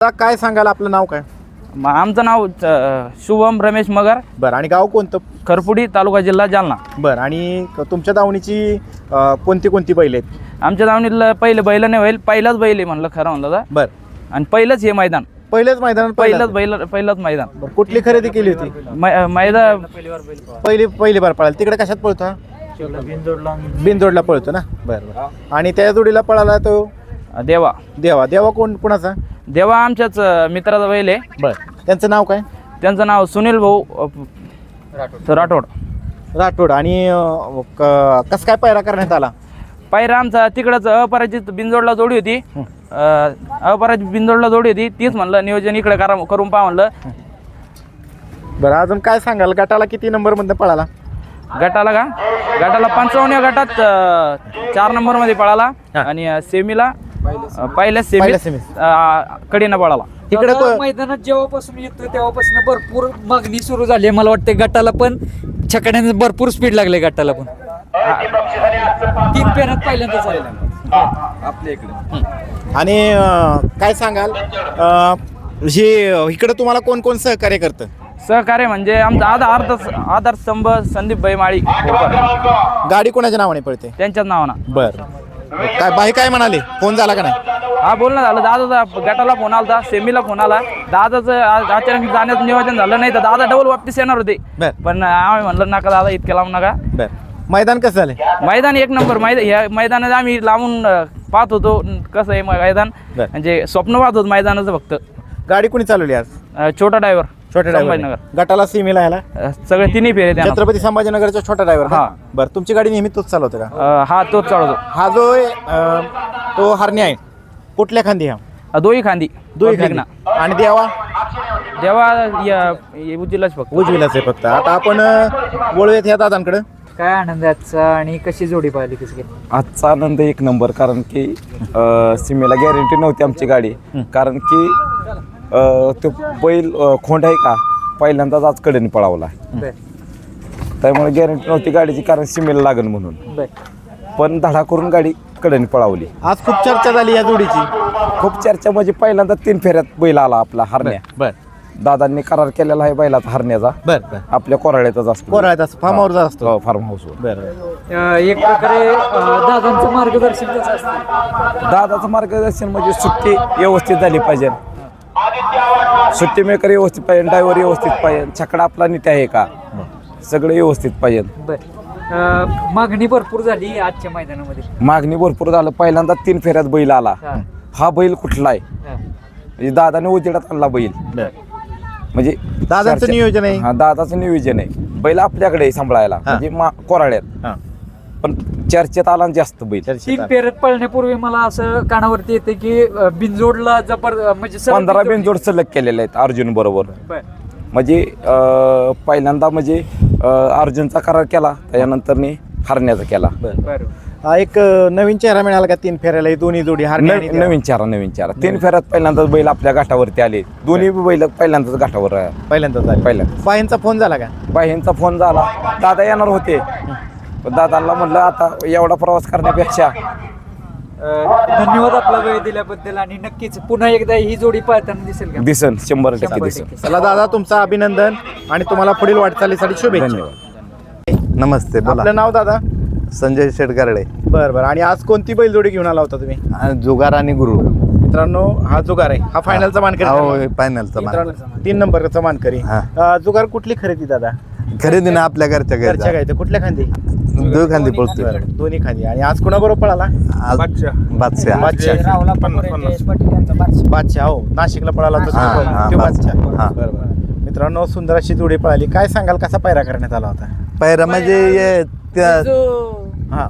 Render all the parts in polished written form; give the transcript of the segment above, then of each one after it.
आता काय सांगाल, आपलं नाव काय? आमचं नाव शुभम रमेश मगर. बरं, आणि गाव कोणतं? खरपुडी, तालुका जिल्हा जालना. बरं, आणि तुमच्या दावणीची कोणती कोणती बैल आहेत? आमच्या दावणीतलं पहिलं बैल नाही होईल, पहिलाच बैल आहे म्हणलं खरं म्हणलं तर. बरं, आणि पहिलंच हे मैदान, पहिल्याच मैदानात पहिलंच मैदान. बरं, कुठली खरेदी केली होती? मैदान पहिली बार पळाला. तिकडे कशात पळतो हा? बिनजोडला पळतो ना. बरं बरं. आणि त्या जोडीला पळाला तो देवा. देवा कोणाचा? देवा आमच्याच मित्राचा बैल आहे. बरं, त्यांचं नाव काय? त्यांचं नाव सुनील भाऊ राठोड. आणि कसं काय पायरा करण्यात आला? पायरा आमचा तिकडंच अपराजित बिनजोडला जोडी होती. अपराजित बिनजोडला जोडी होती, तीच म्हणलं नियोजन इकडे करून पहा म्हणलं. बरं, अजून काय सांगाल, गटाला किती नंबरमध्ये पळाला? गटाला 55 गटात 4 नंबरमध्ये पळाला. आणि सेमीला पहिल्या सेमीत कडीनं पळाला. इकडे मैदानात जेव्हापासून येतो तेव्हापासून भरपूर मागणी सुरू झाली. मला वाटतं गटाला पण छकड्याने भरपूर स्पीड लागले. गटाला पण 3 फेऱ्यात पहिल्यांदाच आलेला आपल्या इकडे. आणि काय सांगाल, इकडे तुम्हाला कोण कोण सहकार्य करतं? सहकार्य म्हणजे आमचा आधार स्तंभ संदीप भाई माळी. गाडी कोणाच्या नावाने पळते? त्यांच्याच नावानं. बरं, काय बाई काय म्हणाले? फोन झाला का नाही? हा, बोलणं झालं. दादाचा गटाला फोन आला, सेमीला फोन आला. दादाचं अचानक जाण्याचं नियोजन झालं नाही तर दादा डबल वापस येणार होते. बरं पण आम्ही म्हणलं नका दादा, इतके लावून नका. बरं, मैदान कसं झालं? मैदान एक नंबर. ह्या मैदानात आम्ही लावून पाहत होतो कसं आहे मैदान. बरं. म्हणजे स्वप्न पाहत होतो मैदानाचं फक्त. गाडी कोणी चालवली आज? छोटा ड्रायव्हर. छोटा ड्रायव्हर. गटाला सीमेला यायला सगळे तिन्ही फेरे त्यानं. छत्रपती संभाजीनगरचा छोटा ड्रायव्हर. हा. बरं, तुमची गाडी नेहमी तोच चालवतो का? हा, तोच चालवतो. हा जो तो हरणी आहे, कुठल्या खांदी? हा दोही खांदी. दोही खांदी. आणि देवा उजिलाच फक्त. उजवीलाच आहे फक्त. आता आपण वळूयात ह्या दादांकडे. काय आनंद आहे आजचा आणि कशी जोडी पाहिली कशी काय? आजचा आनंद एक नंबर, कारण की सीमेला गॅरंटी नव्हती आमची गाडी. कारण की तो बैल खोंड आहे का पहिल्यांदाच आज कडेने पळावला. त्यामुळे गॅरंटी नव्हती गाडीची, कारण सीमेला लागेल म्हणून. पण धडा करून गाडी कडेने पळावली. आज खूप चर्चा झाली या जोडीची. खूप चर्चा म्हणजे पहिल्यांदा 3 फेऱ्यात बैल आला आपला हरण्या. बर, दादांनी करार केलेला आहे बैलाचा हरण्याचा. बर, आपल्या कोराड्यातच असतो. कोराळ्यात फार्म हाऊस असतो. फार्म हाऊसवर. बरं, एक प्रकारे दादांचं मार्गदर्शन कसं असतं? दादाचं मार्गदर्शन म्हणजे सुट्टी व्यवस्थित झाली पाहिजे, सुट्टी मेकर व्यवस्थित पाहिजे, ड्रायव्हर व्यवस्थित पाहिजे, छकडा आपला नीट आहे का, सगळं व्यवस्थित पाहिजे. मागणी भरपूर झाली आजच्या मैदानामध्ये. मागणी भरपूर झालं. पहिल्यांदा 3 फेऱ्यात बैल आला. हा बैल कुठला आहे म्हणजे दादाने उजेडात आणला बैल. म्हणजे दादाचं नियोजन आहे. हा, दादाचं नियोजन आहे. बैल आपल्याकडे आहे सांभाळायला, म्हणजे कोराड्यात. पण चर्चेत आला जास्त बैल. 3 फेऱ्यात पळण्यापूर्वी मला असं कानावरती येते की बिनजोडला म्हणजे 15 बिनजोड सलग केलेले आहेत अर्जुन बरोबर. म्हणजे पहिल्यांदा म्हणजे अर्जुनचा करार केला, त्याच्यानंतर हरण्याचा केला. एक नवीन चेहरा मिळाला का 3 फेऱ्याला? दोन्ही जोडी नवीन चारा 3 फेऱ्यात पहिल्यांदाच बैल आपल्या घाटावरती आले. दोन्ही बैल पहिल्यांदाच घाटावर पहिल्यांदा. बाईंचा फोन झाला का? बाईंचा फोन झाला. दादा येणार होते, पण दादांना म्हणलं आता एवढा प्रवास करण्यापेक्षा. धन्यवाद आपला वेळ दिल्याबद्दल. आणि नक्कीच पुन्हा एकदा ही जोडी पाहताना दिसेल का? दिसन 100% दिसन. चला दादा, तुमचं अभिनंदन आणि तुम्हाला पुढील वाटचालीसाठी शुभेच्छा. धन्यवाद. नमस्ते, बोला. आपलं नाव दादा? संजय शेटगारडे. बरं. आणि आज कोणती बैलजोडी घेऊन आला होता तुम्ही? जुगार आणि गुरु. मित्रांनो, हा जुगार आहे. हा फायनलचा मानकरी. हो, फायनलचा मान. 3 नंबरचा मानकरी. जुगार कुठली खरेदी दादा? खरेदी ना आपल्या घरच्या घरच्या गायचं. कुठल्या खांदी? 2 खांदी पळतो. दोन्ही खांदी. आणि आज कोणाबरोबर पळाला? बादशाह. बादशाह. हो, नाशिकला पळाला होता तो बादशाह. बरोबर. मित्रांनो, सुंदर अशी जोडी पळाली. काय सांगाल, कसा पायरा करण्यात आला होता? पैरा म्हणजे हा,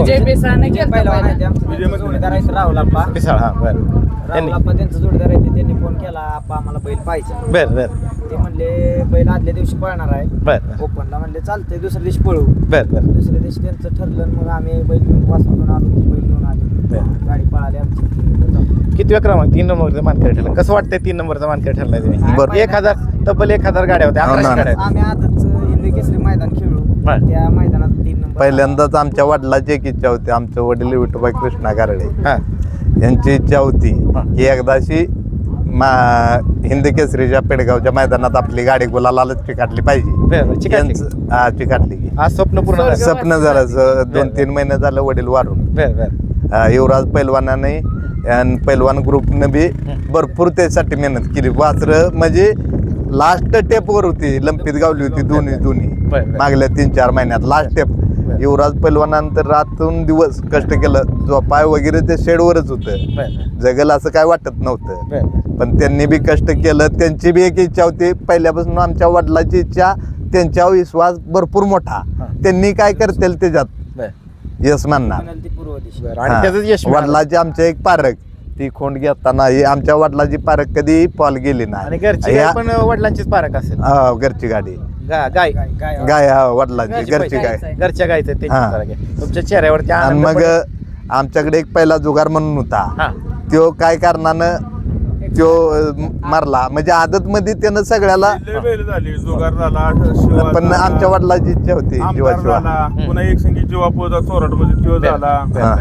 पिसाळ. हा, बरं. त्यांचा जोडीदार आहे, त्यांनी फोन केला, आप्पा आम्हाला बैल पाहिजे. बर. ते म्हणले बैल आदल्या दिवशी पळणार आहे बर. ओपनला. म्हणले चालतंय, दुसऱ्या दिवशी पळू. बर. दुसऱ्या दिवशी त्यांचं ठरलं. मग आम्ही बैल घेऊन वासरून आलो, ती बैल घेऊन आलो. गाडी पळाली आमची. किती क्रमांक? 3 नंबरचा मानकरी ठरला. कसं वाटतंय 3 नंबरचा मानकरी ठरलाय तुम्ही? बरं. 1000 तब्बल 1000 गाड्या होत्या. 1100 गाड्या होत्या. आम्ही आजच हिंद केसरी मैदान खेळलो. त्या मैदानात 3 नंबर. पहिल्यांदाच आमच्या वडिलाची एक इच्छा होती. आमचे वडील विठोबाई कृष्णा गारडे हा, यांची इच्छा होती की एकदाशी हिंद केसरीच्या पेडगावच्या मैदानात आपली गाडी गुलालाच चिकाटली पाहिजे बरं, चिकाटली. चिकाटली की. आज स्वप्न पूर्ण झालं. स्वप्न झालं 2-3 महिने झालं वडील वारून बरं बरं युवराज पैलवानाने आणि पैलवान ग्रुपनं बी भरपूर त्यासाठी मेहनत केली वासर म्हणजे लास्ट टेपवर होती लंपीत गावली होती दोन्ही बरं. मागल्या 3-4 महिन्यात लास्ट टेप युवराज पैलवानानंतर रातून दिवस कष्ट केलं झोपाय वगैरे ते शेडवरच होतं बरं जगल असं काय वाटत नव्हतं बरं पण त्यांनी बी कष्ट केलं त्यांची बी एक इच्छा होती पहिल्यापासून आमच्या वडिलांची इच्छा त्यांच्यावर विश्वास भरपूर मोठा त्यांनी काय करतील त्याच्यात बरं यश मानणार म्हणाल ती पूर्व दिशा बरं आणि त्याचं यश मिळालं. वडिलाची आमचे एक पारक ती खोंड घेताना ही आमच्या वडिलाची पारक कधी पॉल गेली आणि नाही घरची या- गाय पण वडिलांचीच पारख असेल. हो, घरची गाडी गाय गाय वडिलांची घरची गाय घरच्या गायचं त्यांची हा. पारख आहे. तुमच्या चेहऱ्यावरती आणि आनंद मग पण- आमच्याकडे एक पहिला जुगार म्हणून हा. होता त्यो काय कारणानं त्यो मारला म्हणजे आदत मध्ये त्यानं सगळ्याला बैल झाली जुगार झाला शिवा पण झाला, आमच्या वडिलाची इच्छा होती आमदार जीवाशिवा झाला पुन्हा एक संगीत जीवापोचा चोराट मध्ये तो झाला हा.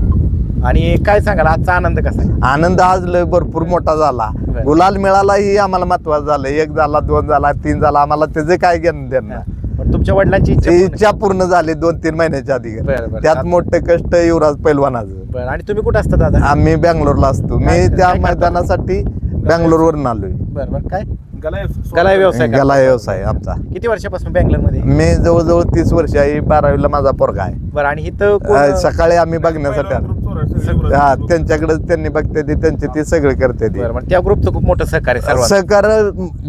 आणि काय सांगाल आजचा आनंद कसा आहे? आनंद आज लय भरपूर मोठा झाला बरं. गुलाल मिळाला ही आम्हाला महत्वाचं झालं 1 झाला 2 झाला 3 झाला आम्हाला त्याचे काय घेणं देणं पण तुमच्या वडिलांची इच्छा ती पूर्ण- इच्छा पूर्ण झाली 2-3 महिन्याच्या आधी बरं, बरं. त्यात मोठं कष्ट युवराज पैलवानाचं बरं आणि तुम्ही कुठं असता दादा? आम्ही बँगलोरला असतो मी काय त्या करता? मैदानासाठी बँगलोरवरून आलोय बरं बरं काय गलाय गलाय व्यवसाय करता? गला व्यवसाय आमचा किती वर्षापासून बँगलोरमध्ये? मी जवळजवळ 30 वर्ष आहे 12वीला माझा पोरगा आहे बरं आणि इथं कोण- सकाळी आम्ही बघण्यासाठी आलो. हा त्यांच्याकडे त्यांनी बघते ते त्यांचे ते सगळे करते ते बरं बरं त्या ग्रुपचं खूप मोठं सहकार्य सर्व सहकार्य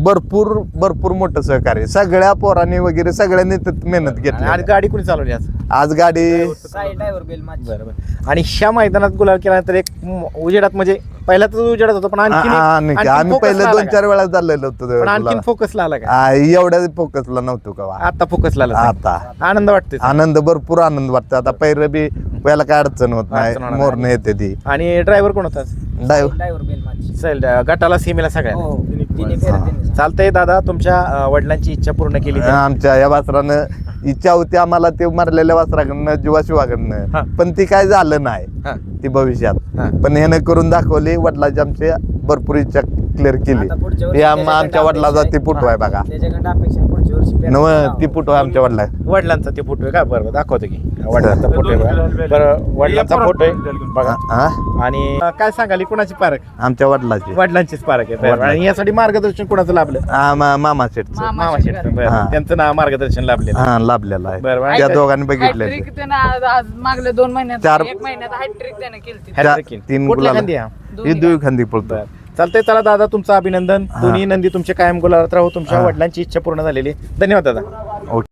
भरपूर मोठं सहकार्य सगळ्या पोरांनी वगैरे सगळ्यांनी त्यात मेहनत आणि घेतली गाडी कोणी चालवली आज? आज गाडी साई ड्रायव्हर बेल माझी बरं बरं आणि ह्या मैदानात गुलाल केल्यानंतर एक उजेडात म्हणजे पहिला तर उजेडात होतं पण आणखी आम्ही पहिले 2-4 वेळा चाललेलो पण आणखीन होतो फोकसला आला का? एवढ्या फोकसला नव्हतो का आता फोकसला आला आता आनंद वाटतोय आनंद भरपूर आनंद वाटतो आता पहिलं बी पहिला काय अडचण होत नाही अडचण होणार मोरणे येते ती आणि ड्रायव्हर कोण होता? ड्रायव्हर बेल माझी चल गटाला सीमेला सगळ्या हो तिने फेऱ्या त्यांनी चालतंय दादा तुमच्या वडिलांची इच्छा पूर्ण केली तर. आमच्या या वासरानं इच्छा होती आम्हाला ते मारलेल्या वासराकडनं हा. जीवाशिवाकडनं पण ती काय झालं नाही हा. ती भविष्यात हा. पण ह्यानं करून दाखवली वडिलांची आमची भरपूर इच्छा क्लिअर केली आता पुढच्या वर्षी हे त्याच्याकडे आमच्या वडिलाचा अपेक्षा ती पुटू आहे बघा त्याच्याकडे अपेक्षा आहे पुढच्या वर्षी फेऱ्या नव करावं. ती पुटू आहे आमच्या वडिला वडिलांचा ते फोटो आहे का? बरं दाखवतो की वडिलांचा फोटो आहे बघा. बरं वडिलांचा फोटो आहे बघा आणि काय सांगाल ही कुणाची पारख? आमच्या वडिलाची वडिलांचीच पारख आहे बरं. आणि यासाठी मार्गदर्शन कुणाचं लाभलं? मामा शेठचं मामा शेठ बरं हा. त्यांचं नाव मार्गदर्शन लाभलेलं हा लाभलेला आहे बरं, बरं. त्या दोघांनी बघितले हॅट्रिक त्यानं आज मागल्या 2 महिन्यात चार- 1 महिन्यात हॅट्रिक त्यानं केली Hat-trick. 3 कुठल्या गुलाल खांदी हा? ही दुई खांदी पळतो बरं. चालतंय चला दादा तुमचं अभिनंदन दोन्ही नंदी तुमचे कायम गुलालात राहू तुमच्या हा. वडिलांची इच्छा पूर्ण झालेली धन्यवाद दादा.